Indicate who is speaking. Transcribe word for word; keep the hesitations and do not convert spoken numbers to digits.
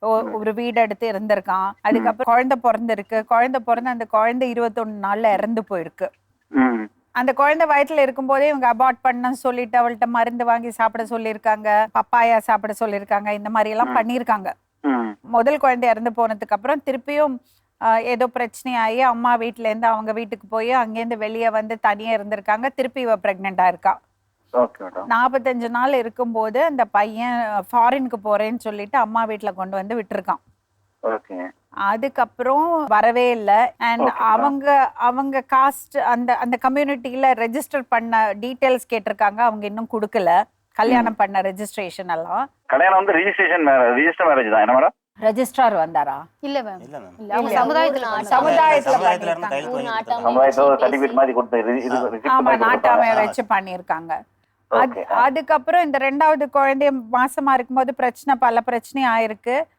Speaker 1: ஒரு வீடு எடுத்து இருந்திருக்கான். அதுக்கப்புறம் குழந்தை பிறந்திருக்கு. குழந்தை பிறந்து அந்த குழந்தை இருபத்தொன்னு நாள்ல இறந்து போயிருக்கு. அந்த குழந்தை வயிற்றுல இருக்கும்போதே இவங்க அபார்ட் பண்ண சொல்லிட்டு அவள்கிட்ட மருந்து வாங்கி சாப்பிட சொல்லியிருக்காங்க, பப்பாயா சாப்பிட சொல்லியிருக்காங்க, இந்த மாதிரி எல்லாம் பண்ணியிருக்காங்க. முதல் குழந்தை இறந்து போனதுக்கு அப்புறம் திருப்பியும் ஏதோ பிரச்சனையாகி அம்மா வீட்டுல இருந்து அவங்க வீட்டுக்கு போய் அங்கேருந்து வெளியே வந்து தனியா இருந்திருக்காங்க. திருப்பி இவ பிரெக்னெண்டா இருக்கா. நாற்பத்தஞ்சு நாள் இருக்கும்போது அந்த பையன் ஃபாரினுக்கு போறேன்னு சொல்லிட்டு அம்மா வீட்டுல கொண்டு வந்து விட்டுருக்கான். அதுக்கப்புறம் வரவே இல்லை. அண்ட் அவங்க அவங்க காஸ்ட் அந்த அந்த கம்யூனிட்டியில ரெஜிஸ்டர் பண்ண டீடைல்ஸ் கேட்டிருக்காங்க, அவங்க இன்னும் கொடுக்கல. கல்யாணம் பண்ண ரெஜிஸ்ட்ரேஷன் எல்லாம்
Speaker 2: கல்யாணம் வந்து ரெஜிஸ்ட்ரேஷன் ரெஜிஸ்டர் மேரேஜ் தான். என்ன மேடம்
Speaker 1: ரெஜிஸ்ட்ரார் வந்தாரா?
Speaker 3: இல்ல மேம்,
Speaker 1: சமுதாயத்துல
Speaker 2: சமுதாயத்துல சர்டிபிகேட் மாதிரி கொடுத்து
Speaker 1: ஆமா நாட்டாமைய வச்சு பண்ணிருக்காங்க. அதுக்கப்புறம் இந்த ரெண்டாவது குழந்தைய மாசமா இருக்கும்போது பிரச்சனை பல பிரச்சனை ஆயிருக்கு.